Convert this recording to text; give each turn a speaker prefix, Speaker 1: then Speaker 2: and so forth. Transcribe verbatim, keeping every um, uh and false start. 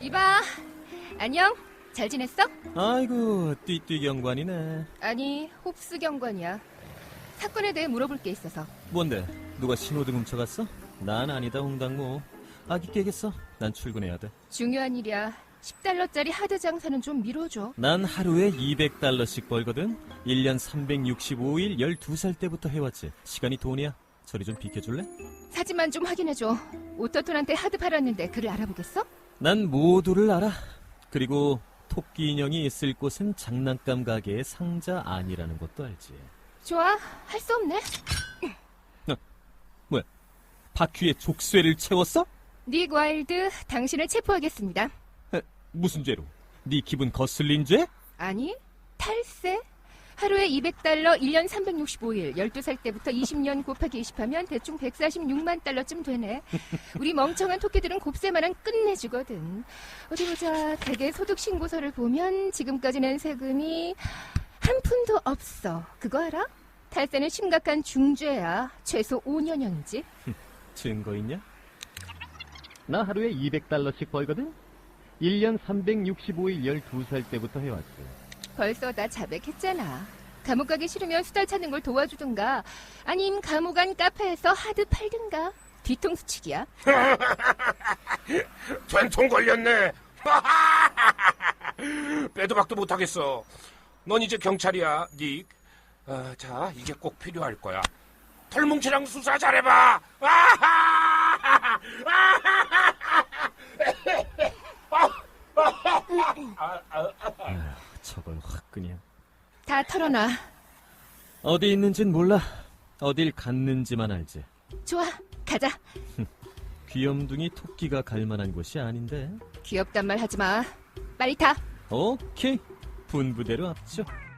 Speaker 1: 이봐. 안녕. 잘 지냈어?
Speaker 2: 아이고, 띠띠 경관이네.
Speaker 1: 아니, 홉스 경관이야. 사건에 대해 물어볼 게 있어서.
Speaker 2: 뭔데? 누가 신호등 훔쳐갔어? 난 아니다, 홍당무. 아기 깨겠어? 난 출근해야 돼.
Speaker 1: 중요한 일이야. 십 달러짜리 하드 장사는 좀 미뤄줘.
Speaker 2: 난 하루에 이백 달러씩 벌거든. 일 년 삼백육십오 일 열두 살 때부터 해왔지. 시간이 돈이야. 저리 좀 비켜줄래?
Speaker 1: 사진만 좀 확인해줘. 오토톤한테 하드 팔았는데 그를 알아보겠어?
Speaker 2: 난 모두를 알아. 그리고 토끼 인형이 있을 곳은 장난감 가게의 상자 아니라는 것도 알지.
Speaker 1: 좋아. 할 수 없네.
Speaker 2: 어, 뭐야? 바퀴에 족쇄를 채웠어?
Speaker 1: 닉 와일드, 당신을 체포하겠습니다.
Speaker 2: 에, 무슨 죄로? 네 기분 거슬린 죄?
Speaker 1: 아니, 탈세. 하루에 이백 달러, 일 년 삼백육십오 일, 열두 살 때부터 이십 년 곱하기 이십 하면 대충 백사십육만 달러쯤 되네. 우리 멍청한 토끼들은 곱셈만한 끝내주거든. 어디 보자. 대개 소득신고서를 보면 지금까지 낸 세금이 한 푼도 없어. 그거 알아? 탈세는 심각한 중죄야. 최소 오 년형이지.
Speaker 2: 증거 있냐? 나 하루에 이백 달러씩 벌거든? 일 년 삼백육십오 일 열두 살 때부터 해왔지.
Speaker 1: 벌써 다 자백했잖아. 감옥 가기 싫으면 수달 찾는 걸 도와주든가 아님 감옥 안 카페에서 하드 팔든가. 뒤통수 치기야.
Speaker 3: 된통 걸렸네. 빼도 박도 못하겠어. 넌 이제 경찰이야, 닉. 아, 자, 이게 꼭 필요할 거야. 털뭉치랑 수사 잘해봐.
Speaker 2: 아휴, 저걸 확 그냥.
Speaker 1: 다 털어놔.
Speaker 2: 어디 있는진 몰라. 어딜 갔는지만 알지.
Speaker 1: 좋아, 가자.
Speaker 2: 귀염둥이 토끼가 갈 만한 곳이 아닌데.
Speaker 1: 귀엽단 말 하지 마. 빨리 타.
Speaker 2: 오케이. 분부대로 앞죠.